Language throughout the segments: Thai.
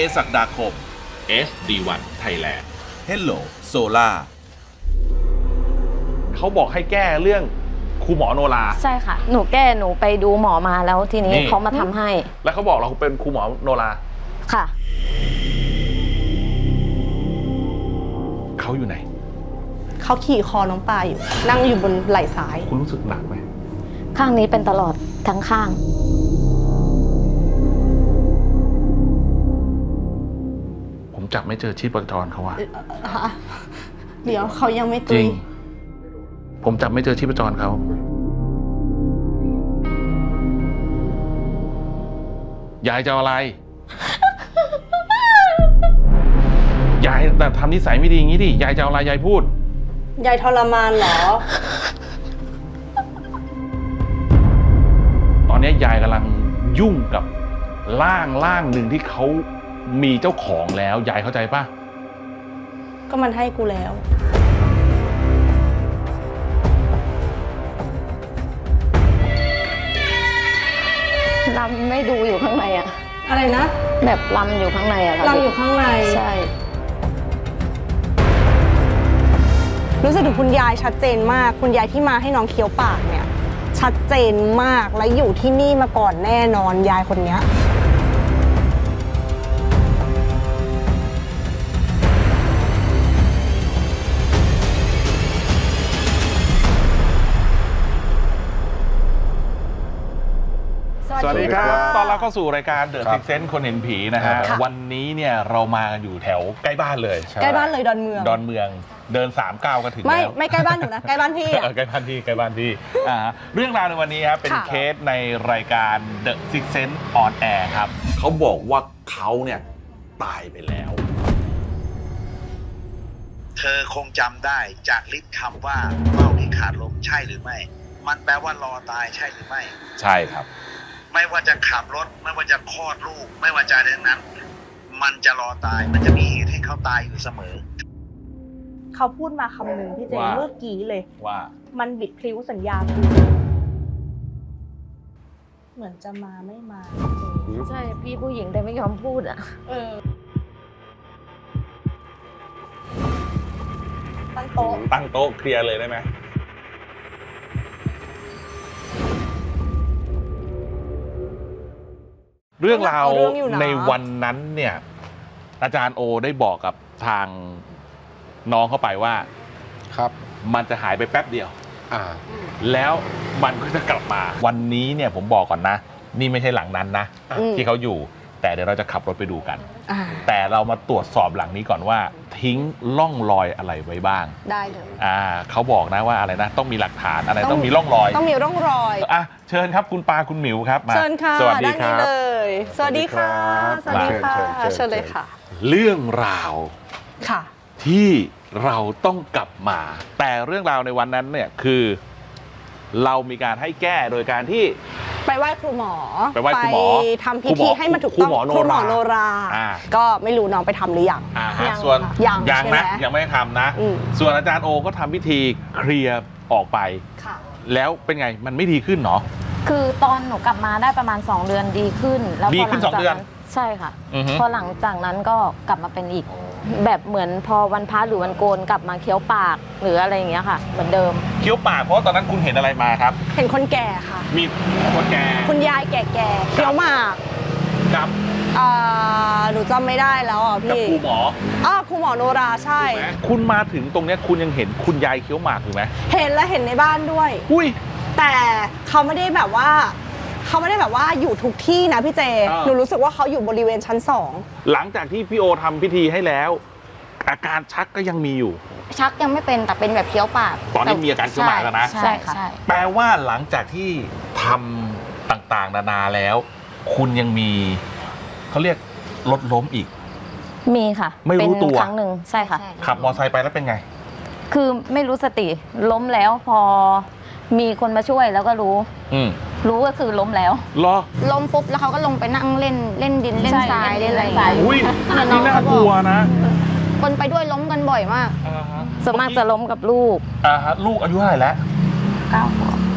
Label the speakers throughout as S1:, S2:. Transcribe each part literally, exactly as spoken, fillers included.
S1: ศักดาคม
S2: เอส ดี วัน Thailand
S1: Hello Solar
S2: เขาบอกให้แก้เรื่องครูหมอโนรา
S3: ใช่ค่ะ หนูแก้หนูไปดูหมอมาแล้วทีนี้
S2: นี่
S3: เขามาทำให้
S2: แล้วเขาบอกเราเป็นครูหมอโนรา
S3: ค่ะ
S2: เขาอยู่ไหน
S4: เขาขี่คอน้องปลาอยู่ นั่งอยู่บนไหล่ซ้าย
S2: คุณรู้สึกหนักไหม
S3: ข้างนี้เป็นตลอดทั้งข้าง
S2: ผมจับไม่เจอชีพจรเขาว่า
S4: เดี๋ยวเขายังไม่
S2: จ
S4: ตุ
S2: ริ
S4: ย
S2: ง ผมจับไม่เจอชีพจรเขา ยายจะเอาอะไร ยายแต่ทำนิสัยไม่ดีอย่างนี้ดิ ยายจะเอาอะไรยายพูด
S4: ยายทรมานเหรอ
S2: ตอนนี้ยายกำลังยุ่งกับร่างร่างหนึ่งที่เขามีเจ้าของแล้ว ยายเข้าใจปะ
S4: ก็มันให้กูแล้ว
S3: ลำไม่ดูอยู่ข้างในอะ
S4: อะไรนะ
S3: แบบลำอยู่ข้างในอะค่ะ
S4: เราอยู่ข้างใน
S3: ใช่
S4: รู้สึกถึงคุณยายชัดเจนมาก คุณยายที่มาให้น้องเคี้ยวปากเนี่ย ชัดเจนมาก และอยู่ที่นี่มาก่อนแน่นอนยายคนเนี้ย
S2: สวัสดีครับ ตอนรับเข้าสู่รายการ The Sixth Sense คนเห็นผีนะฮะ
S4: ค่ะ
S2: วันนี้เนี่ยเรามากันอยู่แถวใกล้บ้านเลย
S4: ใกล้บ้านเลยดอนเมือง
S2: ดอนเมือง เดินสามก้าวก็ถึง
S4: ไม่
S2: แล้ว
S4: ไม่ใกล้บ้านหนูนะ ใกล้บ้านพี่
S2: เอ
S4: อะ
S2: อใกล้บ้านพี่ใกล้บ้านพี่อ่าเรื่องราวในวันนี้ครับเป็น
S4: ค่ะ
S2: เคสในรายการ The Sixth Sense on Air ครับ
S1: เขาบอกว่าเขาเนี่ยตายไปแล้ว
S5: เธอคงจำได้จากลิสต์คำว่าเฝ้าที่ขาดลมใช่หรือไม่ มันแปลว่ารอตายใช่หรือไม่
S2: ใช่ครับ
S5: ไม่ว่าจะขับรถ ไม่ว่าจะคลอดลูก ไม่ว่าจะอะไรทั้งนั้น มันจะรอตาย มันจะมีเหตุให้เขาตายอยู่เสมอ
S4: เขาพูดมาคำหนึ่งพี่เจ
S2: ว่า
S4: เมื่อกี้เลย
S2: ว่า
S4: มันบิดพลิ้วสัญญากูเหมือนจะมาไม่มาพี่เจ
S3: ใช่พี่ผู้หญิงแต่ไม่ยอมพูดอะ
S4: เออตั้งโต๊ะ
S2: ตั้งโต๊ะเคลียร์เลยได้ไหมเรื่องราวในวันนั้นเนี่ย อาจารย์โอได้บอกกับทางน้องเข้าไปว่า
S6: ครับ
S2: มันจะหายไปแป๊บเดียว
S6: อ่า
S2: แล้วมันก็จะกลับมา วันนี้เนี่ยผมบอกก่อนนะ นี่ไม่ใช่หลังนั้นนะ
S4: อืม
S2: ที่เขาอยู่ แต่เดี๋ยวเราจะขับรถไปดูกัน
S4: อ่า
S2: แต่เรามาตรวจสอบหลังนี้ก่อนว่า ทิ้งร่องรอยอะไรไว้บ้าง
S4: ได้เลย
S2: อ่าเขาบอกนะว่าอะไรนะ ต้องมีหลักฐานอะไร
S4: ต้อง
S2: ต้องมีร่องรอย
S4: ต้องมีร่องรอย
S2: อ่ะเชิญครับคุณปาคุณหมิวครับมา
S4: เชิญค่ะ
S2: สวัสดี
S4: ด้าน
S2: ค
S4: นี้
S2: รับ
S4: เลย สวัสดีค่ะ ส
S6: สวั
S4: วัส
S6: สดี
S4: ดี
S6: ครั
S4: ค่ะ
S6: บเชิญเชิญ
S4: เชิญเลยค่ะ
S2: เรื่องราว
S4: ค่ะ
S2: ที่เราต้องกลับมา แต่เรื่องราวในวันนั้นเนี่ยคือ เรามีการให้แก้โดยการที่
S4: ไปไหว้ครูหมอ
S2: ไปไหว้ครูหมอ
S4: ทำพิ
S2: ครูหม
S4: ธี
S2: อ
S4: ให้มันถูก
S2: ครู
S4: ต้อง
S2: หมอโนรา
S4: ครูหมอโนรา
S2: อ่า
S4: ก็ไม่รู้น้องไปทำหรือยัง
S2: อ่าฮะ
S3: ยัง
S2: ส่วน
S3: ค่ะ
S4: ยัง
S2: ยัง
S4: ใช่ไหม
S2: นะยังไม่ได้ทำนะ
S4: อืม
S2: ส่วนอาจารย์โอก็ทำพิธีเคลียร์ออกไป
S4: ค่ะ
S2: แล้วเป็นไงมันไม่ดีขึ้นเนาะ
S3: คือตอนหนูกลับมาได้ประมาณสองเดือนดีขึ้น แล้ว
S2: ดี
S3: พอห
S2: ขึ้
S3: ลั
S2: นสอง
S3: จาก
S2: เดือน
S3: ใช่ค่ะ
S2: อือฮึ
S3: พอหลังจากนั้นก็กลับมาเป็นอีก แบบเหมือนพอวันพระหรือวันโกนกลับมาเคี้ยวปากหรืออะไรอย่างเงี้ยค่ะ เหมือนเดิม
S2: เคี้ยวปากเพราะตอนนั้นคุณเห็นอะไรมาครับ
S4: เห็นคนแก่ค่ะ
S2: มีคนแก่
S4: คุณยายแก่ๆเคี้ยวหมาก
S2: กับ
S4: อ่าหนูจำไม่ได้แล้วอ่ะ
S2: กับ
S4: พี่
S2: ครูหมอ
S4: อ้าวครูหมอโนราใช่
S2: ถูกไหมคุณมาถึงตรงเนี้ยคุณยังเห็นคุณยายเคี้ยวหมากอยู่ไหม
S4: เห็นและเห็นในบ้านด้วย
S2: อุ้ย
S4: แต่เขาไม่ได้แบบว่า เขาไม่ได้แบบว่าอยู่ทุกที่นะพี่เจ
S2: อ่า
S4: หนูรู้สึกว่าเขาอยู่บริเวณชั้นสอง
S2: หลังจากที่พี่โอทำพิธีให้แล้ว อาการชักก็ยังมีอยู่
S3: ชักยังไม่เป็นแต่เป็นแบบเคี้ยวปาก
S2: ตอนนี้มีอาการเคี้ยวหมากแล้วนะ
S3: ใช่ค่ะ
S2: แปลว่าหลังจากที่ทำต่างๆ นานาแล้ว คุณยังมีเขาเรียกรถล้มอีก
S3: มีค่ะ
S2: ไม่รู้ตัว
S3: เป็นครั้งหนึ่งใช่ค่ะ
S2: ขับมอเตอร์ไซค์ไปแล้วเป็นไง
S3: คือไม่รู้สติล้มแล้วพอมีคนมาช่วยแล้วก็รู้
S2: อืม
S3: รู้ก็คือล้มแล้ว
S2: รอ
S7: ล้มปุ๊บแล้วเขาก็ลงไปนั่งเล่นเล่นดินเล่น
S3: ใช่
S7: ทราย
S3: เล่
S7: เล่
S3: น
S7: นอะไร
S3: เล่นทราย
S2: อุ้ยนี่น่ากลัวนะ
S7: คนไปด้วยล้มกันบ่อยมาก
S2: อ่าฮะ
S3: ส่วนมากจะล้มกับลูก
S2: อ่าฮะลูกอายุเท่าไหร่แล้ว
S3: เก้าขวบ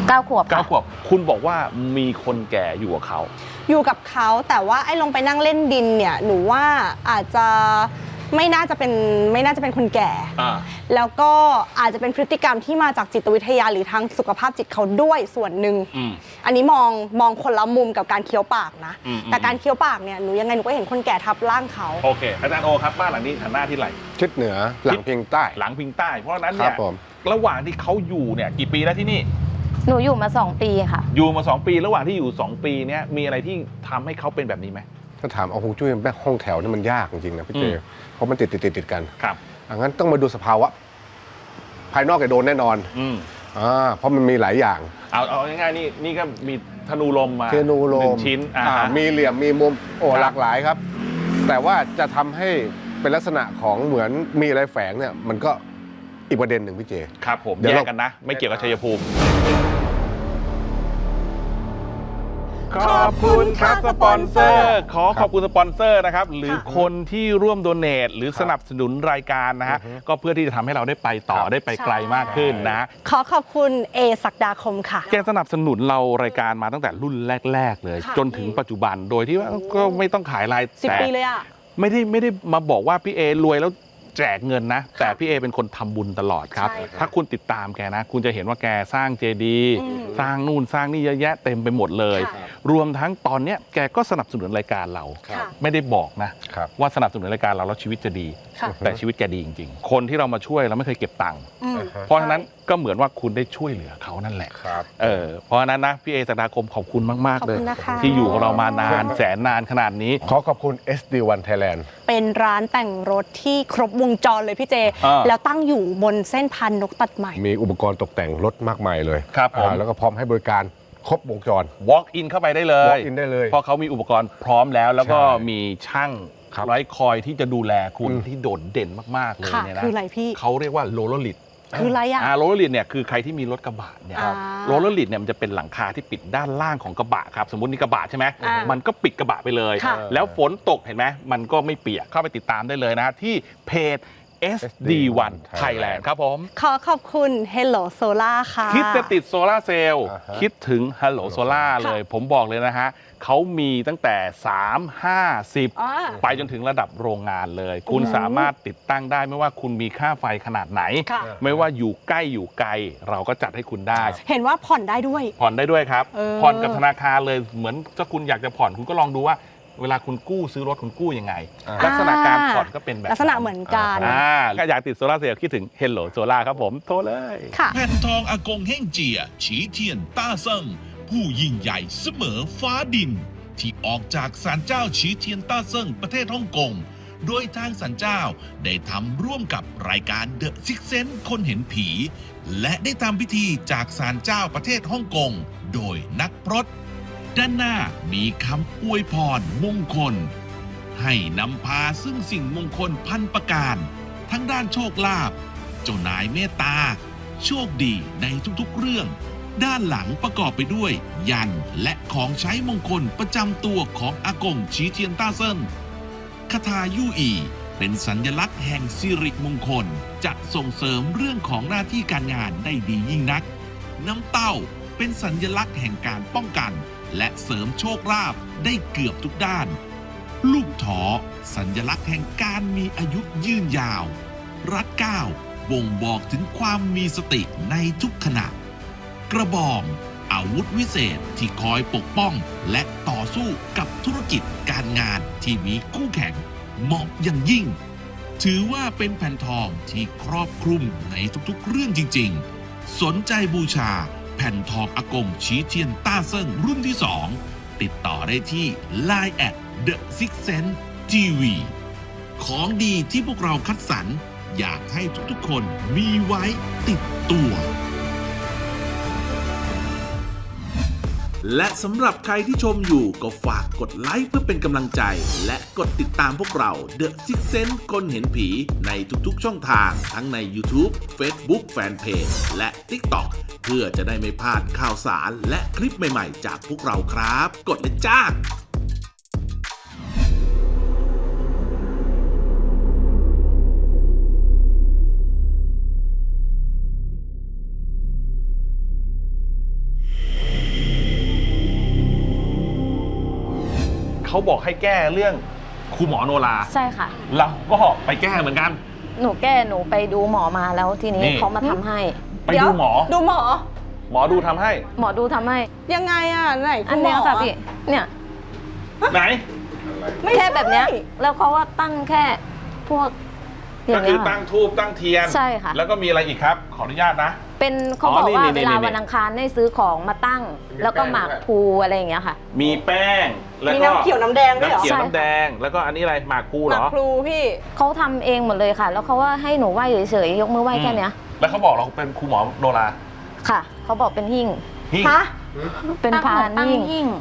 S3: เก้าขวบ
S2: เก้า
S3: ค่ะ
S2: ขวบคุณบอกว่ามีคนแก่อยู่กับเขา
S4: อยู่กับเขาแต่ว่าไอ้ลงไปนั่งเล่นดินเนี่ยหนูว่าอาจจะไม่น่าจะเป็นไม่น่าจะเป็นคนแก่
S2: อ่า
S4: แล้วก็อาจจะเป็นพฤติกรรมที่มาจากจิตวิทยาหรือทางสุขภาพจิตเขาด้วยส่วนหนึ่ง
S2: อืม
S4: อันนี้มองมองคนละมุมกับการเคี้ยวปากนะ
S2: อืม
S4: แต่การเคี้ยวปากเนี่ยหนูยังไงหนูก็เห็นคนแก่ทับร่างเขา
S2: โอเค อาจารย์โอครับบ้านหลังนี้หันหน้าที่ไหน
S6: ทิศเหนือหลังเพียงใต้
S2: หลังพิงใต้ เพราะฉะนั้น
S6: ครั
S2: เนี่
S6: บ
S2: ย
S6: ผม
S2: ระหว่างที่เขาอยู่เนี่ยกี่ปีแล้วที่นี่
S3: หนูอยู่มาสองปีค่ะ
S2: อยู่มาสองปีระหว่างที่อยู่สองปีเนี้ยมีอะไรที่ทำให้เขาเป็นแบบนี้ไหม
S6: ถ้าถามเอาฮวงจุ้ยแม่ห้องแถวนี่มันยากจริงๆนะพี่เจ
S2: อืม
S6: เพราะมันติดติดติดติดกัน
S2: ครับ
S6: อังั้นต้องมาดูสภาวะ ภายนอกแกโดนแน่นอน
S2: อืม
S6: อ่าเพราะมันมีหลายอย่าง
S2: เอาเอาง่ายๆนี่นี่ก็มีธนูลมมา
S6: เทนูโล
S2: หนึ่
S6: ม
S2: งชิ้นอ่า
S6: อ่า
S2: ฮะ
S6: มีเหลี่ยมมีมุมโอ้
S2: ครับ
S6: หลากหลายครับ แต่ว่าจะทำให้เป็นลักษณะของเหมือนมีอะไรแฝงเนี่ยมันก็อีกประเด็นหนึ่งพี่เจ
S2: ครับผม
S6: เดี๋ยว
S2: แย
S6: เรา
S2: กกันนะ ไม่เกี่ยวกับชัยภูมิ ขอบคุณครับสปอนเซอร์ ขอขอบคุณสปอนเซอร์นะครับ หรือคนที่ร่วมโดเนทหรือสนับสนุนรายการนะฮะ ก็เพื่อที่จะทำให้เราได้ไปต่อได้ไปไกลมากขึ้นนะ
S4: ขอขอบคุณเอศักดาคมค่ะ
S2: แกสนับสนุนเรารายการมาตั้งแต่รุ่นแรก ๆ เลย
S4: ค่ะ
S2: จนถึงปัจจุบันโดยที่ว่าก็ไม่ต้องขายราย
S4: สิบ
S2: แต่
S4: ปีเลยอ่ะ
S2: ไม่ได้ไม่ได้มาบอกว่าพี่เอรวยแล้วแจกเงินนะ แต่พี่เอเป็นคนทำบุญตลอดครับ
S4: ใช่ค่ะ
S2: ถ้าคุณติดตามแกนะ คุณจะเห็นว่าแกสร้างเจดีย์
S4: อืม
S2: สร้างนู่นสร้างนี่เยอะแยะเต็มไปหมดเลย
S4: ค่ะ
S2: รวมทั้งตอนเนี้ยแกก็สนับสนุนรายการเรา
S4: ค่ะ
S2: ไม่ได้บอกนะ
S6: ครับ
S2: ว่าสนับสนุนรายการเราแล้วชีวิตจะดี
S4: ค่ะ
S2: แต่ชีวิตแกดีจริงๆ คนที่เรามาช่วยเราไม่เคยเก็บตังค์
S4: อืม
S2: เพราะฉะนั้นก็เหมือนว่าคุณได้ช่วยเหลือเขานั่นแหละ
S6: ครับ
S2: เออเพราะฉะนั้นนะพี่เอศักดาคมขอบคุณมาก
S4: ขอบ
S2: ๆ เลย
S4: คุณนะคะ
S2: ที่อยู่กับเรามานานแสนนานขนาดนี้
S6: ขอขอบคุณ เอส ดี วัน Thailand
S4: เป็นร้านแต่งรถที่ครบวงจรเลยพี่เจ
S2: อ่า
S4: แล้วตั้งอยู่บนเส้นพันนกตัดใหม่
S6: มีอุปกรณ์ตกแต่งรถมากมายเลย
S2: ครับผม
S6: อ่าแล้วก็พร้อมให้บริการครบวงจร
S2: walk in เข้าไปได้เลย
S6: walk in ได้เลย
S2: เพราะเขามีอุปกรณ์พร้อมแล้ว แล้วก็
S6: ใช่
S2: มีช่าง
S6: ครับ
S2: ร้อยคอยที่จะดูแลคุณ
S6: อืม
S2: ที่โดดเด่นมากๆเลย
S4: ค่ะ
S2: เนี่ยนะ
S4: คืออะไรพี่
S2: เขาเรียกว่าโรลเลอร์ลิด
S4: คืออะไรอ่ะ
S2: โรลเลอร์ลิดเนี่ยคือใครที่มีรถกระบะเนี่ย
S4: อ่า
S2: โรลเลอร์ลิดเนี่ยมันจะเป็นหลังคาที่ปิดด้านล่างของกระบะครับสมมตินี่กระบะใช่ไหม
S4: อ่ามั
S2: มันก็ปิดกระบะไปเลย
S4: ค่ะ
S2: แล้วฝนตกเห็นไหมมันก็ไม่เปียกเข้าไปติดตามได้เลยนะที่เพจ เอส ดี วัน Thailand ครับผม
S4: ขอขอบคุณ Hello Solar ค่ะ
S2: คิดจะติดโซลาร์เซลล์
S6: อ่าฮะ
S2: คิดถึง Hello Solar เลย ผมบอกเลยนะฮะเขามีตั้งแต่ สาม ห้า สิบ
S4: อ่า
S2: ไปจนถึงระดับโรงงานเลย คุณ
S4: อืม
S2: สามารถติดตั้งได้ไม่ว่าคุณมีค่าไฟขนาดไหน
S4: ค่ะ
S2: ไม่ว่าอยู่ใกล้อยู่ไกล เราก็จัดให้คุณได้
S4: เห็นว่าผ่อนได้ด้วย
S2: ผ่อนได้ด้วยครับ
S4: เออ
S2: ผ่อนกับธนาคารเลยเหมือนถ้าคุณอยากจะผ่อนคุณก็ลองดูว่า เวลาคุณกู้ซื้อรถคุณกู้ยังไง
S6: อ่า
S2: ลักษณะการผ่อนก็เป็นแบบ
S4: ลักษณะเหมือนกัน
S2: อ่าก็อยากติดโซลาร์เซลล์คิดถึง Hello Solar ครับผมโทรเลย
S4: ค่ะ
S8: แผ่นทองอากงเฮ่งเจีย ฉีเทียน ต้าเซิงผู้ยิ่งใหญ่เสมอฟ้าดิน ที่ออกจากศาลเจ้าฉีเทียนต้าเซิงประเทศฮ่องกง โดยทางศาลเจ้าได้ทำร่วมกับรายการ The Six Sense คนเห็นผี และได้ทำพิธีจากศาลเจ้าประเทศฮ่องกง โดยนักพรตด้านหน้ามีคำอวยพรมงคล ให้นำพาซึ่งสิ่งมงคลพันประการ ทั้งด้านโชคลาภเจ้านายเมตตา โชคดีในทุกๆเรื่อง ด้านหลังประกอบไปด้วย ยันและของใช้มงคลประจำตัวของอากงฉีเทียนต้าเซินคาถายู่อี เป็นสัญลักษณ์แห่งสิริมงคล จะส่งเสริมเรื่องของหน้าที่การงานได้ดียิ่งนัก น้ำเต้าเป็นสัญลักษณ์แห่งการป้องกัน และเสริมโชคลาภได้เกือบทุกด้าน ลูกถอสัญลักษณ์แห่งการมีอายุยืนยาว รัดเก้าบ่งบอกถึงความมีสติในทุกขณะ กระบองอาวุธวิเศษที่คอยปกป้องและต่อสู้กับธุรกิจการงานที่มีคู่แข่งเหมาะอย่างยิ่ง ถือว่าเป็นแผ่นทองที่ครอบคลุมในทุกๆเรื่องจริงๆ สนใจบูชาแผ่นทองอากงฉีเทียนต้าเซิงรุ่นที่สองติดต่อได้ที่ ไลน์ แอท The Six Sense ที วี ของดีที่พวกเราคัดสรรอยากให้ทุกๆคนมีไว้ติดตัว และสำหรับใครที่ชมอยู่ก็ฝากกดไลค์เพื่อเป็นกำลังใจ และกดติดตามพวกเรา The Six Sense คนเห็นผีในทุกๆช่องทางทั้งใน YouTube Facebook Fanpage และ TikTok เพื่อจะได้ไม่พลาดข่าวสารและคลิปใหม่ๆจากพวกเราครับ กดเลยจ้า
S2: เขาบอกให้แก้เรื่องครูหมอโนรา
S3: ใช่ค่ะ
S2: เราก็ไปแก้เหมือนกัน
S3: หนูแก้หนูไปดูหมอมาแล้วทีนี้
S2: นี่
S3: เขามาทำให้
S2: ไปดูหมอ
S4: ดูหมอ
S2: หมอดูทำให้
S3: หมอดูทำให้
S4: ยังไงอ่ะไหน
S3: อัน
S4: ณหม
S3: เนี้ยค่ะพี่เนี่ย
S2: ไหน
S4: ไม่
S3: แค่
S4: ใช่
S3: แบบเนี้ยแล้วเขาว่าตั้งแค่พวกอ
S2: ก็
S3: ย่าง
S2: คื
S3: เงี้
S2: อย ตั้งทูบตั้งเทียน
S3: ใช่ค่ะ
S2: แล้วก็มีอะไรอีกครับ ขออนุญาตนะ
S3: เป็นเขา
S2: อ๋อ
S3: บอก
S2: นี่
S3: ว่า
S2: นี่
S3: เวลา
S2: นี่
S3: วันอังคารให้ซื้อของมาตั้ง แล้วก็หมากพลูอะไรอย่างเงี้ยค่ะ
S2: มีแป้งแล้ว
S4: มี
S2: ก็
S4: น้ำเขียวน้ำแดงด้วยเหรอ
S2: น้ำเขียว
S3: ใช่
S2: น้ำแดง แล้วก็อันนี้อะไรหมากพลู
S4: ห
S2: เหร
S4: นัก
S2: อ
S4: ครูพี่
S3: เขาทำเองหมดเลยค่ะ แล้วเขาว่าให้หนูไหว้เฉยๆยกมือไหว้แค่เนี้ย
S2: แล้วเขาบอกเราเป็นครูหมอโนรา
S3: ค่ะเขาบอกเป็นหิ้ง
S2: หิ้ง
S4: ฮะ
S3: เป็นพาน
S7: ตั้ง
S3: หิ้ง
S7: หิ้ง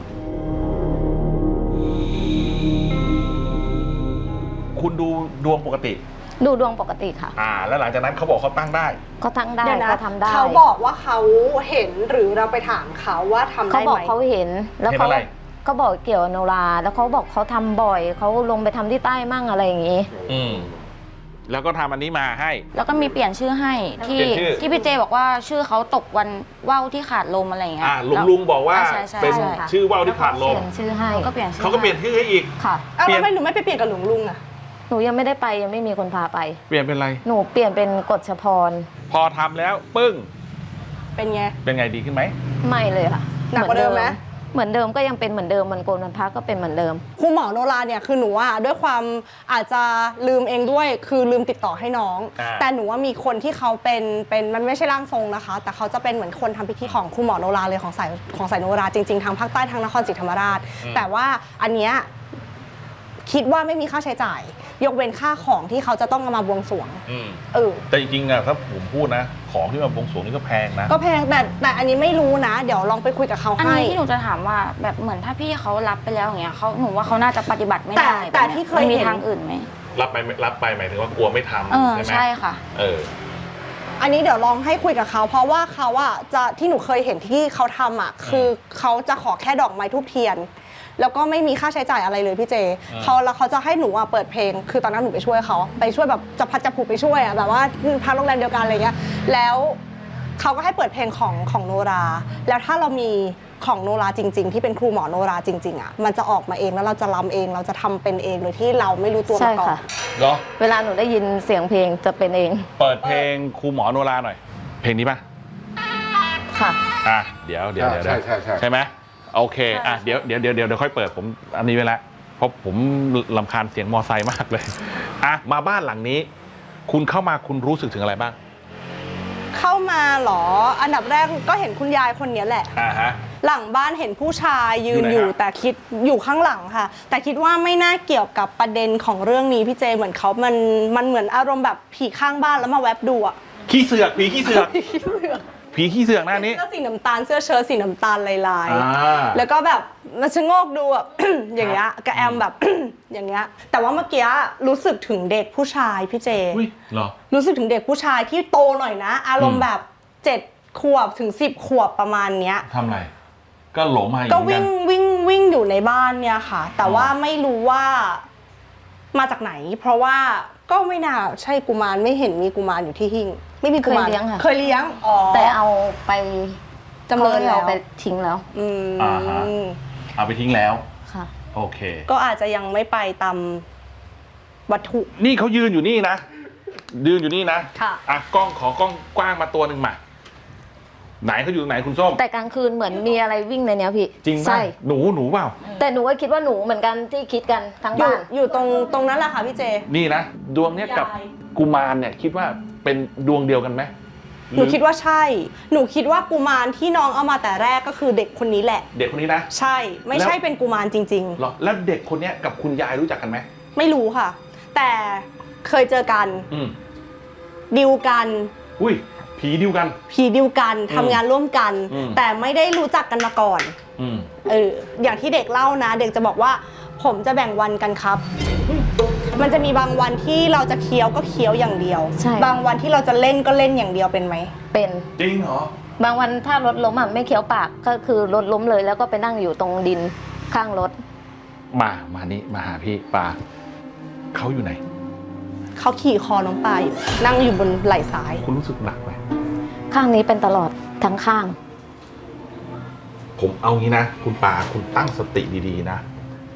S2: คุณดูดวงปกติ
S3: ดูดวงปกติค่ะ
S2: อ่า แล้วหลังจากนั้นเขาบอกเขาตั้งได้
S3: เขาทั้งได้
S4: เดี๋ยวนะ
S3: เขาทำได้
S4: เขาบอกว่าเขาเห็นหรือเราไปถามเขาว่าทำ
S3: เขา
S4: ได้
S3: บอก
S4: ไหม
S3: เขาเห็นแล้ว
S2: เห็น
S3: เขา
S2: อะไร
S3: ก็บอกเกี่ยวกับโนรา แล้วเขาบอกเขาทำบ่อยเขาลงไปทำที่ใต้มั่งอะไรอย่างงี้
S2: อืมแล้วก็ทำอันนี้มาให้
S7: แล้วก็มีเปลี่ยนชื่อให้ที่
S2: เปลี่ยนชื่อ
S7: ที่พี่เจบอกว่าชื่อเขาตกวันว่าวที่ขาดลมอะไรอย่างเงี้ย
S2: อ่าลุง
S7: แล้ว
S2: ลุงบอกว่า
S7: ใช่ใช่
S2: เป็น
S7: ใช่
S2: ชื่อว่าวที่ขาดล
S3: เป
S2: ม
S3: ลี่ยนชื่อให้
S7: เขาก็เปลี่ยนชื่อ
S2: เขาก็เปลี่ยนชื่อให้อีก
S3: ค่ะ
S4: เอา
S2: เปลี่ย
S4: แล้ว
S2: น
S4: ทำไมหนูไม่ไปเปลี่ยนกับหลวงลุงอะ
S3: หนูยังไม่ได้ไปยังไม่มีคนพาไป
S2: เปลี่ยนเป็นอะไร
S3: หนูเปลี่ยนเป็นกฎชพร
S2: พอทำแล้วปึ้ง
S4: เป็นไง
S2: เป็นไงดีขึ้นไหม
S3: ไม่เลยค่ะ
S4: หนักกว่าเดิมไหม
S3: เหมือนเดิมก็ยังเป็นเหมือนเดิมมันโกนมันพักก็เป็นเหมือนเดิม
S4: ครูหมอโนราเนี่ยคือหนูอะด้วยความอาจจะลืมเองด้วยคือลืมติดต่อให้น้อง
S2: อ่า
S4: แต่หนูว่ามีคนที่เขาเป็นเป็นมันไม่ใช่ร่างทรงนะคะ แต่เขาจะเป็นเหมือนคนทำพิธีของครูหมอโนราเลยของสายของสายโนราจริงๆทางภาคใต้ทางนครศรีธรรมราช แต่ว่าอันเนี้ยคิดว่าไม่มีค่าใช้จ่าย ยกเว้นค่าของที่เขาจะต้องเอามาบวงสรวง
S2: อืม
S4: เออ
S2: แต่จริงๆอะถ้าผมพูดนะ ของที่มาบวงสรวงนี่ก็แพงนะ
S4: ก็แพงแต่แต่อันนี้ไม่รู้นะ เดี๋ยวลองไปคุยกับเขา
S7: อัน
S4: ให้
S7: นี้ที่หนูจะถามว่าแบบเหมือนถ้าพี่เขารับไปแล้วอย่างเงี้ยเขาหนูว่าเขาน่าจะปฏิบัติไม่
S4: แต่
S7: ได้
S4: แต่
S7: บบนี้
S4: ที่เคย
S7: มันมี
S4: เห็น
S7: ทางอื่นไหม
S2: รับไปรับไปหมายถึงว่ากลัวไม่ทำ
S7: เออ
S2: ใช่ไหม
S7: ใช่ค่ะ
S2: เออ
S4: อันนี้เดี๋ยวลองให้คุยกับเขา เพราะว่าเขาอะจะที่หนูเคยเห็นที่เขาทำอะคือเขาจะขอแค่ดอกไม้ทูบเทียน แล้วก็ไม่มีค่าใช้จ่ายอะไรเลยพี่เจ
S2: อืม
S4: เขาแล้วเขาจะให้หนูอะเปิดเพลง คือตอนนั้นหนูไปช่วยเขาไปช่วยแบบจะพัดจะผูกไปช่วยอะแบบว่าพักโรงแรมเดียวกันอะไรเงี้ยแล้วเขาก็ให้เปิดเพลงของของโนรา แล้วถ้าเรามีของโนราจริง ๆ ที่เป็นครูหมอโนราจริงๆอะมันจะออกมาเองแล้วเราจะรำเองเราจะทำเป็นเองโดยที่เราไม่รู้ตัว
S3: ใช่
S4: มาก่อน
S3: ค่ะ
S2: เหรอ
S3: เวลาหนูได้ยินเสียงเพลงจะเป็นเอง
S2: เปิดเพลงครูหมอโนราหน่อย เพลงนี้ป่ะ
S3: ค่ะ
S2: อ่ะ เดี๋ยวเดี๋ยวเดี๋ยว
S6: ใช่ใช่ใช่
S2: ใช่ไหมโอเค อ่ะ เดี๋ยวเดี๋ยวเดี๋ยวเดี๋ยวเดี๋ยวค่อยเปิดผมอันนี้ไว้ละเพราะผมลำคาญเสียงมอไซค์มากเลย อ่ะ มาบ้านหลังนี้ คุณเข้ามาคุณรู้สึกถึงอะไรบ้าง
S4: เข้ามาเหรออันดับแรกก็เห็นคุณยายคนนี้แหละ
S2: อ่าฮะ
S4: หลังบ้านเห็นผู้ชายยืน
S2: อยู่ไหน
S4: อยู่
S2: ฮะ
S4: แต่คิดอยู่ข้างหลังค่ะ แต่คิดว่าไม่น่าเกี่ยวกับประเด็นของเรื่องนี้พี่เจเหมือนเขามันมันเหมือนอารมณ์แบบผีข้างบ้านแล้วมาแวบดูอะ
S2: ขี้เสือกผีขี้เสือก ผีขี้เสือกหน้านี้
S4: เสื้อสีน้ำตาลเสื้อเชิ้ตสีน้ำตาลลาย
S2: อ่า
S4: ๆแล้วก็แบบมาชะโงกดูแบบ อย่างเงี้ยกระแอมแบบ อย่างเงี้ยแต่ว่าเมื่อกี้รู้สึกถึงเด็กผู้ชายพี่เจ
S2: อุ้ยเหรอ
S4: รู้สึกถึงเด็กผู้ชายที่โตหน่อยนะ อารม
S2: อื
S4: ณ์
S2: ม
S4: แบบเจ็ดขวบถึงสิบขวบประมาณเนี้ย
S2: ทำอะไร ก็หลงมาอย่าง
S4: ก็
S2: นี้
S4: วิ่ง
S2: กัน
S4: วิ่งวิ่งอยู่ในบ้านเนี่ยค่ะ แต่
S2: อ๋อ
S4: ว่าไม่รู้ว่ามาจากไหน เพราะว่าก็ไม่น่าใช่กุมารไม่เห็นมีกุมารอยู่ที่หิ้งไม่มีกุมาร
S3: เคยเลี้ยงค่ะ
S4: เคยเลี้ยงอ๋อ
S3: แต่เอาไป
S4: จำเริญ
S3: ขา
S4: แล้ว
S3: เอาไปทิ้งแล้ว
S4: อืม
S2: อ่าฮะ เอาไปทิ้งแล้ว
S3: ค่ะ
S2: โอเค
S4: ก็อาจจะยังไม่ไปตามวัตถุ
S2: นี่เขายืนอยู่นี่นะ ยืนอยู่นี่นะ
S4: ค่ะ
S2: อ่ะกล้องขอกล้องกว้างมาตัวหนึ่งมา ไหนเขาอยู่ตรงไหนคุณส้ม
S3: แต่กลางคืนเหมือนมีอะไรวิ่งในเนี้ยพี่
S2: จริงป่ะ
S3: ใช่
S2: หนูหนูเปล่า
S3: แต่หนูก็คิดว่าหนูเหมือนกันที่คิดกันทั้ง
S4: อยู่
S3: บ้าน
S4: อยู่ตรงตรงนั้นแหละค่ะพี่เจ
S2: นี่นะ ดวงเนี้ยกับ
S4: ยาย
S2: กุมารเนี่ย คิดว่าเป็นดวงเดียวกันไหม
S4: หนูคิดว่าใช่ หนูคิดว่ากุมารที่น้องเอามาแต่แรกก็คือเด็กคนนี้แหละ
S2: เด็กคนนี้นะ
S4: ใช่ ไม่ใช่เป็นกุมารจริง
S2: เหรอแล้วเด็กคนเนี้ยกับคุณยายรู้จักกันไหม
S4: ๆ ไม่รู้ค่ะ แต่เคยเจอกัน
S2: อืม
S4: ดิวกัน
S2: อุ้ยผีเดียวกัน
S4: ผีดิวกันทำงานร่วมกัน
S2: อืม
S4: แต่ไม่ได้รู้จักกันมาก่อน
S2: อืม
S4: เอออย่างที่เด็กเล่านะ เด็กจะบอกว่า ผมจะแบ่งวันกันครับ มันจะมีบางวันที่เราจะเคี้ยวก็เคี้ยวอย่างเดียว
S3: ใช่
S4: บางวันที่เราจะเล่นก็เล่นอย่างเดียวเป็นไหม
S3: เป็น
S2: จริงเหรอ
S3: บางวันถ้ารถล้มอ่ะไม่เคี้ยวปากก็คือรถล้มเลยแล้วก็ไปนั่งอยู่ตรงดินข้างรถ
S2: มา มานี่มาหาพี่ปาเขาอยู่ไหน
S4: เขาขี่คอน้องปลาอยู่นั่งอยู่บนไหล่ซ้าย
S2: คุณรู้สึกหนักไหม
S3: ข้างนี้เป็นตลอดทั้งข้าง
S2: ผมเอางี้นะ คุณปาคุณตั้งสติดีๆนะ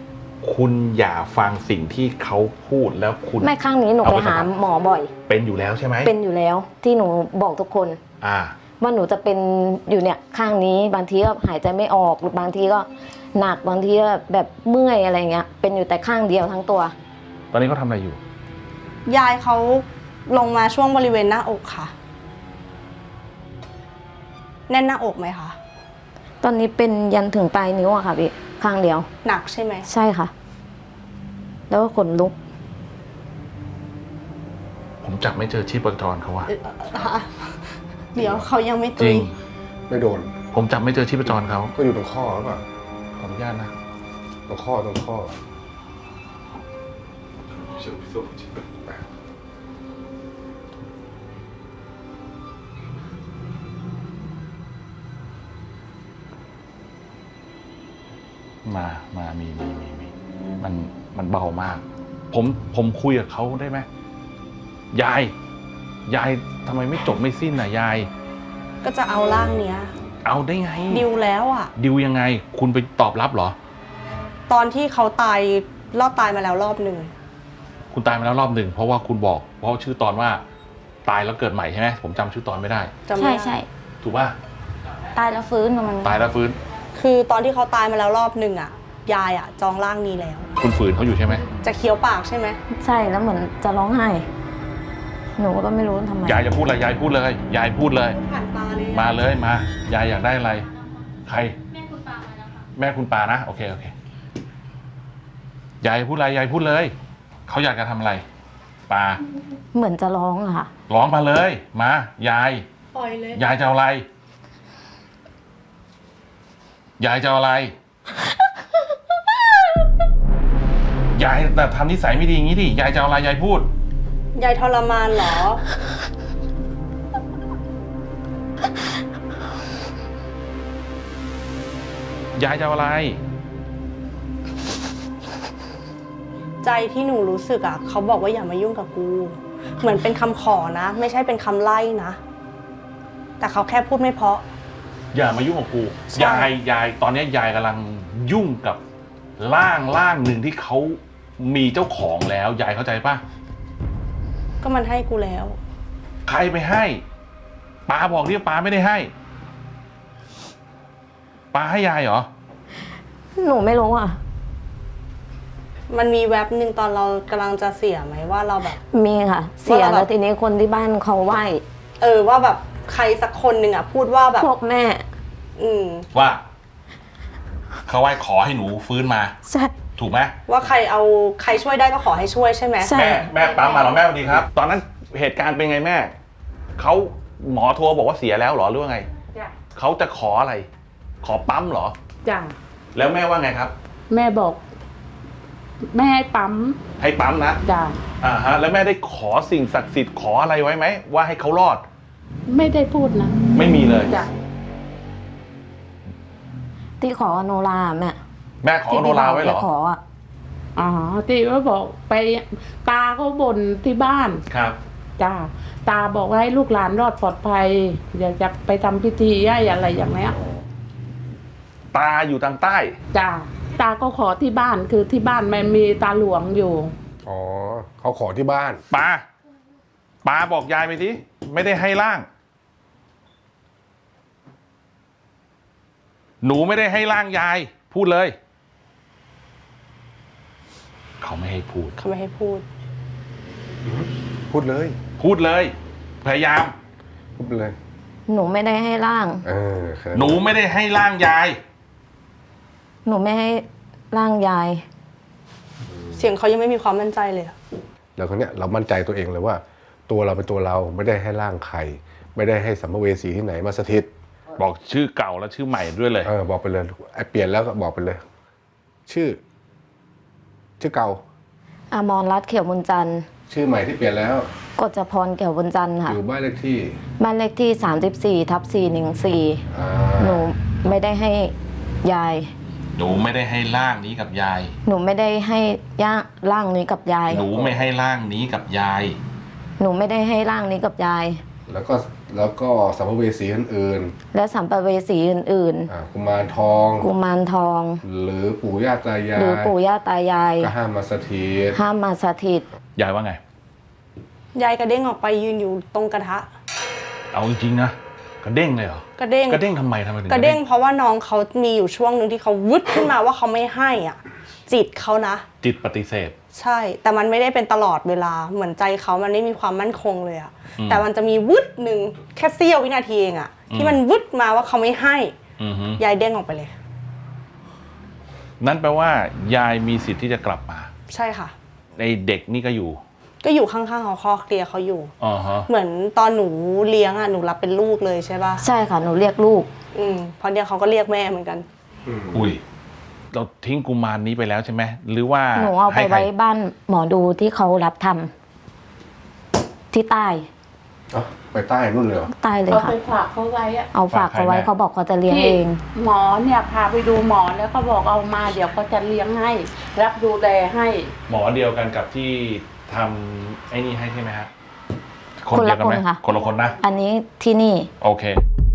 S2: คุณอย่าฟังสิ่งที่เขาพูดแล้วคุณ
S3: ไม่ข้างนี้หนู
S2: เอา
S3: ไป
S2: ไป
S3: หา
S2: ทำ
S3: หมอบ่อย
S2: เป็นอยู่แล้วใช่ไหม
S3: เป็นอยู่แล้วที่หนูบอกทุกคน
S2: อ่า
S3: ว่าหนูจะเป็นอยู่เนี่ยข้างนี้บางทีก็หายใจไม่ออกหรือบางทีก็หนักบางทีก็แบบเมื่อยอะไรเงี้ยเป็นอยู่แต่ข้างเดียวทั้งตัว
S2: ตอนนี้เขาทำอะไรอยู่
S4: ยายเขาลงมาช่วงบริเวณหน้าอกค่ะ แน่นหน้าอกไหมคะ
S3: ตอนนี้เป็นยันถึงปลายนิ้วอะค่ะพี่ข้างเดียว
S4: หนักใช่ไหม
S3: ใช่ค่ะ แล้วก็ขนลุก
S2: ผมจับไม่เจอชีพจรเขาอะ
S4: เอ่อฮะเดี๋ยวเขายังไม่
S2: จ
S4: ตุ
S2: ริ
S4: ย
S2: ง
S6: ไม่โดน
S2: ผมจับไม่เจอชีพจรเขา
S6: ก็อยู่ตรงข้อหรือเปล่า
S2: ขออนุญาตนะ
S6: ตรงข้อตรงข้อ
S2: มา มา มี มี มี มี มัน มันเบามาก ผม ผมคุยกับเขาได้ไหม ยาย ยายทำไมไม่จบไม่สิ้นน่ะยาย
S4: ก็จะเอาร่างเนี้ย
S2: เอาได้ไง
S4: ดิวแล้วอ่ะ
S2: ดิวยังไง คุณไปตอบรับเหรอ
S4: ตอนที่เขาตายรอดตายมาแล้วรอบหนึ่ง
S2: คุณตายมาแล้วรอบหนึ่ง เพราะว่าคุณบอก เพราะชื่อตอนว่า ตายแล้วเกิดใหม่ใช่ไหม ผมจำชื่อตอนไม่ได้
S4: จำไม่
S7: ใช่
S4: ได้
S7: ใช่
S2: ถูกป่ะ
S7: ตายแล้วฟื้นมัน
S2: ตายแล้วฟื้น
S4: คือตอนที่เขาตายมาแล้วรอบหนึ่งอ่ะ ยายอ่ะจองร่างนี้แล้ว
S2: คุณฝืนเขาอยู่ใช่ไหม
S4: จะเคี้ยวปากใช่ไหม
S3: ใช่แล้วเหมือนจะร้องไห้ หนูก็ไม่รู้ทำไม
S2: ยายจะพูดอะไร ยายพูดเลย ยายพูดเลย
S4: ผ่านตาเลย
S2: มาเลย มา ยายอยากได้อะไร ใคร แม่คุณปามาแล้วค่ะ แม่คุณปานะ โอเค โอเค ยายพูดอะไร ยายพูดเลย เขาอยากจะทำอะไร ปา
S3: เหมือนจะร้องอะค่ะ
S2: ร้องมาเลย มา ยาย
S4: ปล่อยเลย
S2: ยายจะเอาอะไร ยายจะเอาอะไร ยายแต่ทำนิสัยไม่ดีอย่างนี้ดิ ยายจะเอาอะไร ยายพูด
S4: ยายทรมานเหรอ
S2: ยายจะเอาอะไร
S4: ใจที่หนูรู้สึกอ่ะเขาบอกว่าอย่ามายุ่งกับกู เหมือนเป็นคำขอนะ ไม่ใช่เป็นคำไล่นะ แต่เขาแค่พูดไม่เพราะ
S2: อย่ามายุ่งกับกู
S4: ใช่
S2: ยาย ยาย ตอนนี้ยายกำลังยุ่งกับร่างร่างหนึ่งที่เขามีเจ้าของแล้ว ยายเข้าใจปะ
S4: ก็มันให้กูแล้ว
S2: ใครไปให้ป้าบอกที่ป้าไม่ได้ให้ป้าให้ยายเหรอ
S3: หนูไม่รู้อะ
S4: มันมีแว็บหนึ่งตอนเรากำลังจะเสียไหมว่าเราแบบ
S3: มีค่ะ เสีย
S4: ว่าเราแบบ
S3: แล้วทีนี้คนที่บ้านเขาไหว้
S4: เออว่าแบบใครสักคนหนึ่งอ่ะพูดว่าแบบ
S3: พวกแม่
S4: อืม
S2: ว่าเขาไหว้ขอให้หนูฟื้นมา
S3: ใช่
S2: ถูกไหม
S4: ว่าใครเอาใครช่วยได้ก็ขอให้ช่วยใช่ไหม
S3: ใช่
S2: แม่แม่ปั๊มมาเหรอแม่สวัสดีครับ ตอนนั้นเหตุการณ์เป็นไงแม่เขาหมอโทรบอกว่าเสียแล้วเหรอหรือว่าไง
S9: จ้ะ
S2: เขาจะขออะไร ขอปั๊มเหรอ
S9: จ้ะ
S2: แล้วแม่ว่าไงครับ
S9: แม่บอก แม่ให้ปั๊ม
S2: ให้ปั๊มนะ
S9: จ้ะ
S2: อ่าฮะแล้วแม่ได้ขอสิ่งศักดิ์สิทธิ์ขออะไรไว้ไหมว่าให้เขารอด
S9: ไม่ได้พูดนะ
S2: ไม่มีเลย
S9: จ้ะ
S3: ที่ขอโนราแม่
S2: แม่ขอ
S3: ที่
S2: โนราไว้เหรอ
S3: ที่ขออะ
S9: อ๋อที่ว่าบอกไปตาเขาบ่นที่บ้าน
S2: ครับ
S9: จ้ะตาบอกว่าให้ลูกหลานรอดปลอดภัยอย่าจะไปทำพิธีอะไรอย่างเงี้ย
S2: ตาอยู่ทางใต้
S9: จ้ะตาก็ขอที่บ้านคือที่บ้านมันมีตาหลวงอยู่
S6: อ๋อเขาขอที่บ้าน
S2: ปาปาบอกยายไปทีไม่ได้ให้ร่าง หนูไม่ได้ให้ร่างยาย พูดเลย เขาไม่ให้พูด
S4: เขาไม่ให้พูด
S6: พูดเลย
S2: พูดเลย พยายาม
S6: พูดไปเลย
S3: หนูไม่ได้ให้ร่าง
S6: เออแค่
S2: หนูไม่ได้ให้ร่างยาย
S3: หนูไม่ให้ร่างยาย
S4: เสียงเขายังไม่มีความมั่นใจเลยอะ
S6: แล้วคนเนี้ยเรามั่นใจตัวเองเลยว่า ตัวเราเป็นตัวเราไม่ได้ให้ร่างใคร ไม่ได้ให้สัมภเวสีที่ไหนมาสถิต
S2: บอกชื่อเก่าและชื่อใหม่ด้วยเลย
S6: เออบอกไปเลยไอ้เปลี่ยนแล้วก็บอกไปเลย ชื่อ ชื่อเก่า
S3: อมรรัตน์เขียวบุญจันทร์
S6: ชื่อใหม่ที่เปลี่ยนแล้ว
S3: กฎจพรเขียวบุญจันทร์ค่ะ
S6: อยู่บ้านเลขที่
S3: บ้านเลขที่สามสิบสี่ทับสี่หนึ่งสี่
S6: อ่า
S3: หนูไม่ได้ให้ยาย
S2: หนูไม่ได้ให้ร่างนี้กับยาย
S3: หนูไม่ได้ให้ย่าร่างนี้กับยาย
S2: หนูไม่ให้ร่างนี้กับยาย
S3: หนูไม่ได้ให้ร่างนี้กับยาย
S6: แล้วก็แล้วก็สัมภเวสีอื่น
S3: และสัมภเวสีอื่น
S6: ๆอ่ากุมารทอง
S3: ๆ กุมารทอง
S6: หรือปู่ย่าตายาย
S3: หรือปู่ย่าตายาย
S6: ก็ห้ามมาสถิต
S3: ห้ามมาสถิต
S2: ยายว่าไง
S4: ยายกระเด้งออกไปยืนอยู่ตรงกระทะ
S2: เอาจริงๆนะกระเด้งเลยเหรอก
S4: ระเด้ง
S2: กระเด้งทำไมทำไมถึง
S4: กระเด้งเพราะว่าน้องเขามีอยู่ช่วงหนึ่งที่เขาวึดขึ้นมาว่าเขาไม่ให้อ่ะ จิตเขานะ
S2: จิตปฏิเสธ
S4: ใช่ แต่มันไม่ได้เป็นตลอดเวลาเหมือนใจเขามันไม่มีความมั่นคงเลยอะ
S2: อืม
S4: แต่มันจะมีวึดหนึ่งแค่เสี้ยววินาทีเองอะที่มันวึดมาว่าเขาไม่ให้
S2: อือฮึ
S4: ยายเด้งออกไปเลย
S2: นั่นแปลว่ายายมีสิทธิ์ที่จะกลับมา
S4: ใช่ค่ะ
S2: ในเด็กนี่ก็อยู่
S4: ก็อยู่ข้างๆเขาคอเคลียร์เขาอยู่
S2: อ๋อฮะ
S4: เหมือนตอนหนูเลี้ยงอะหนูรับเป็นลูกเลยใช่ป่ะ
S3: ใช่ค่ะ หนูเรียกลูก
S4: อืมเพราะเดี๋ยวเขาก็เรียกแม่เหมือนกัน
S2: อุ้ยเราทิ้งกุมารนี้ไปแล้วใช่ไหมหรือว่า
S3: หนูเอาไป
S2: ให้ใคร
S3: ไว้บ้านหมอดูที่เขารับทำที่ใต้
S6: เอ้าไปใต้นู่นเลยเหรอ
S3: ใต้เลย
S9: เอา
S3: ค่ะ
S9: ไปฝากเขาไว้อะ
S3: เอาฝากเขาไว้เขาบอกเขาจะเลี้ยง
S9: ที่
S3: เอง
S9: หมอเนี่ยพาไปดูหมอแล้วก็บอกเอามาเดี๋ยวเขาจะเลี้ยงให้ รับดูแลให้
S2: หมอเดียวกันกับที่ทำไอ้นี่ให้ใช่ไหมฮะ
S3: คนละ
S2: เดียวกัไหม
S3: คนค่ะ
S2: คนละคนนะ
S3: อันนี้ที่นี่
S2: โอเค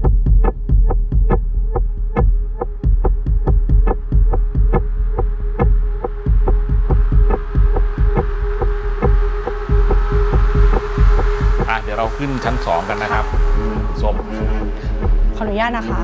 S2: อ่ะ เดี๋ยวเราขึ้นชั้นสองกันนะครับส้ม
S4: ขออนุญาตนะคะ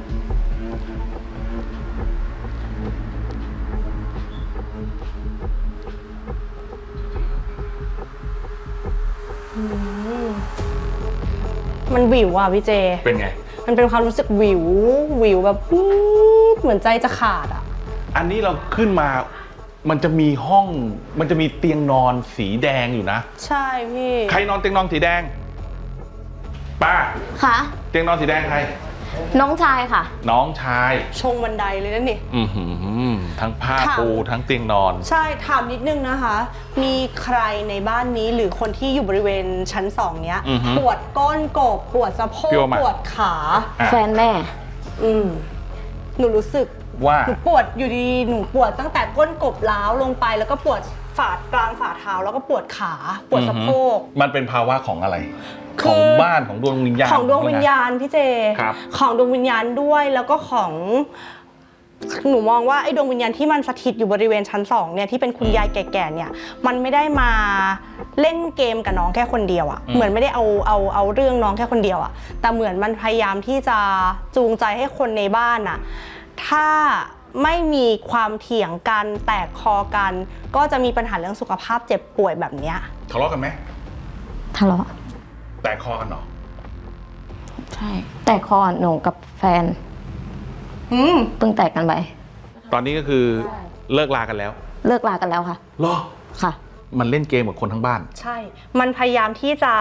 S4: อืมมันวิวอ่ะพี่เจ
S2: เป็นไง
S4: มันเป็นความรู้สึกวิว วิวแบบปุ๊บเหมือนใจจะขาดอ่ะ
S2: อันนี้เราขึ้นมา มันจะมีห้อง มันจะมีเตียงนอนสีแดงอยู่นะ
S4: ใช่พี่
S2: ใครนอนเตียงนอนสีแดง ป้า
S3: ค่ะ
S2: เตียงนอนสีแดงใคร
S3: น้องชายค่ะ
S2: น้องชาย
S4: ชงบันไดเลยนั่นนี่
S2: อือหือทั้งผ้า
S4: ค่ะ
S2: ปูทั้งเตียงนอน
S4: ใช่ ถามนิดนึงนะคะ มีใครในบ้านนี้หรือคนที่อยู่บริเวณชั้นสองเนี้ย
S2: อือฮึ
S4: ปวดก้นกบ ปวดสะโพ
S2: พี่
S4: ก
S2: ว่ามา
S4: ปวดขา
S2: อ่ะ
S3: แฟนแม่
S4: อืม หนูรู้สึก
S2: ว่า
S4: หนูปวดอยู่ดีๆหนูปวดตั้งแต่ก้นกบล้าวลงไป แล้วก็ปวดฝ่ากลางฝ่าเท้าแล้วก็ปวดขา ปวดสะโพก
S2: มันเป็นภาวะของอะไร
S4: คือ
S2: ของบ้านของดวงวิญญาณ
S4: ของดวงวิญญาณพี่เจ
S2: ครับ
S4: ของดวงวิญญาณด้วยแล้วก็ของหนูมองว่าไอ้ดวงวิญญาณที่มันสถิตอยู่บริเวณชั้นสองเนี่ยที่เป็นคุณยายแก่ๆเนี่ยมันไม่ได้มาเล่นเกมกับน้องแค่คนเดียวอะเหมือนไม่ได้เอาเอาเอาเรื่องน้องแค่คนเดียวอะแต่เหมือนมันพยายามที่จะจูงใจให้คนในบ้านอะถ้าไม่มีความเถียงกันแตกคอกัน ก็จะมีปัญหาเรื่องสุขภาพเจ็บป่วยแบบเนี้ย
S2: ทะเลาะกันไหม
S3: ทะเลาะ
S2: แตกคอกันเหรอ
S3: ใช่ แต่คอหนูกับแฟน
S4: อืม
S3: เพิ่งแตกกันไป
S2: ตอนนี้ก็คือเลิกลากันแล้ว
S3: เลิกลากันแล้วค่ะ
S2: เหรอ
S3: ค่ะ
S2: มันเล่นเกมกับคนทั้งบ้าน
S4: ใช่ มันพยายามที่จะ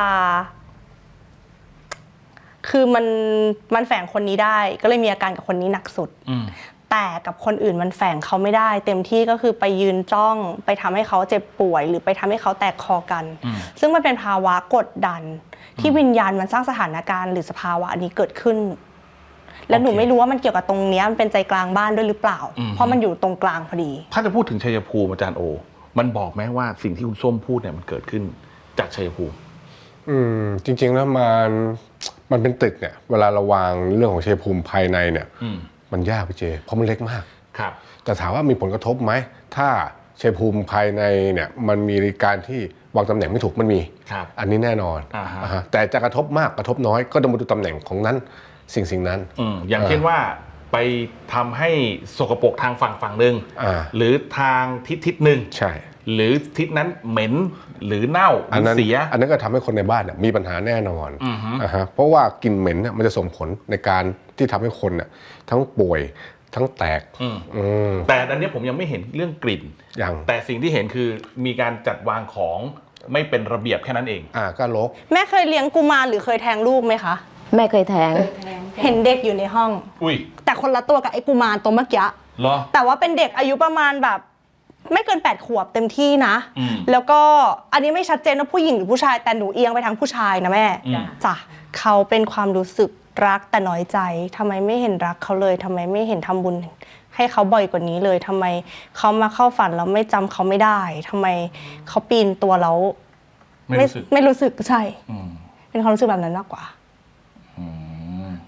S4: คือมันมันแฝงคนนี้ได้ ก็เลยมีอาการกับคนนี้หนักสุด
S2: อืม
S4: แต่กับคนอื่นมันแฝงเขาไม่ได้ เต็มที่ก็คือไปยืนจ้อง ไปทำให้เขาเจ็บป่วย หรือไปทำให้เขาแตกคอกัน
S2: อืม
S4: ซึ่งมันเป็นภาวะกดดัน ที่วิญญาณมันสร้างสถานการณ์หรือสภาวะอันนี้เกิดขึ้น แล้วหนูไม่รู้ว่ามันเกี่ยวกับตรงเนี้ยมันเป็นใจกลางบ้านด้วยหรือเปล่า เพราะมันอยู่ตรงกลางพอดี
S2: ถ้าจะพูดถึงชัยภูมิอาจารย์โอ มันบอกไหมว่าสิ่งที่คุณส้มพูดเนี่ยมันเกิดขึ้นจากชัยภูมิ
S6: อืมจริงๆแล้วมันมันเป็นตึกเนี่ยเวลาเราวางเรื่องของชัยภูมิภายในเนี่ย
S2: อืม
S6: มันยากพี่เจ เพราะมันเล็กมาก
S2: ครับ
S6: แต่ถามว่ามีผลกระทบไหมถ้าชัยภูมิภายในเนี่ยมันมีการที่วางตำแหน่งไม่ถูกมันมี
S2: ครับ
S6: อันนี้แน่นอน
S2: อ่าฮะ
S6: อ่าฮะแต่จะกระทบมากกระทบน้อยก็ต้องมาดูตำแหน่งของนั้นสิ่งสิ่งนั้น
S2: อืมอย่างเช่นว่าไปทำให้สกปรกทางฝั่งฝั่งหนึ่ง
S6: อ่า
S2: หรือทางทิศทิศหนึ่ง
S6: ใช่
S2: หรือทิศนั้นเหม็นหรือเน่าห
S6: อัน
S2: รือ
S6: นั้น
S2: เสีย
S6: อันนั้นก็ทำให้คนในบ้านเนี่ยมีปัญหาแน่นอน
S2: อือฮึ
S6: อ่าฮะเพราะว่ากลิ่นเหม็นเนี่ยมันจะส่งผลในการที่ทำให้คนเนี่ยทั้งป่วยทั้งแตก
S2: อืม
S6: อืม
S2: แต่อันเนี้ยผมยังไม่เห็นเรื่องกลิ่น
S6: อย่าง
S2: แต่สิ่งที่เห็นคือมีการจัดวางของไม่เป็นระเบียบแค่นั้นเอง
S6: อ่าก็ลก
S4: แม่เคยเลี้ยงกุมารหรือเคยแทงลูกไหมคะ
S3: แม่เคยแทง
S4: เห็นเด็กอยู่ในห้อง
S2: อุ้ย
S4: แต่คนละตัวกับไอ้กุมารตัวเมื่อกี้
S2: เหรอ
S4: แต่ว่าเป็นเด็กอายุประมาณแบบไม่เกินแปดขวบเต็มที่นะ
S2: อืม
S4: แล้วก็อันนี้ไม่ชัดเจนว่าผู้หญิงหรือผู้ชายแต่หนูเอียงไปทางผู้ชายนะแม่
S2: อืม
S4: จ้ะเขาเป็นความรู้สึกรักแต่น้อยใจทำไมไม่เห็นรักเขาเลยทำไมไม่เห็นทำบุญ ให้เขาบ่อยกว่านี้เลยทำไมเขามาเข้าฝันแล้วไม่จำเขาไม่ได้ทำไมเขาปีนตัวแล้ว
S2: ไม่รู้สึก
S4: ไม่รู้สึกใช่
S2: อืม
S4: เป็นความรู้สึกแบบนั้นมากกว่า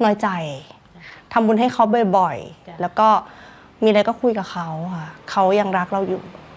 S4: น้อยใจทำบุญให้เขาบ่อยๆแล้วก็มีอะไรก็คุยกับเขาค่ะเขายังรักเราอยู่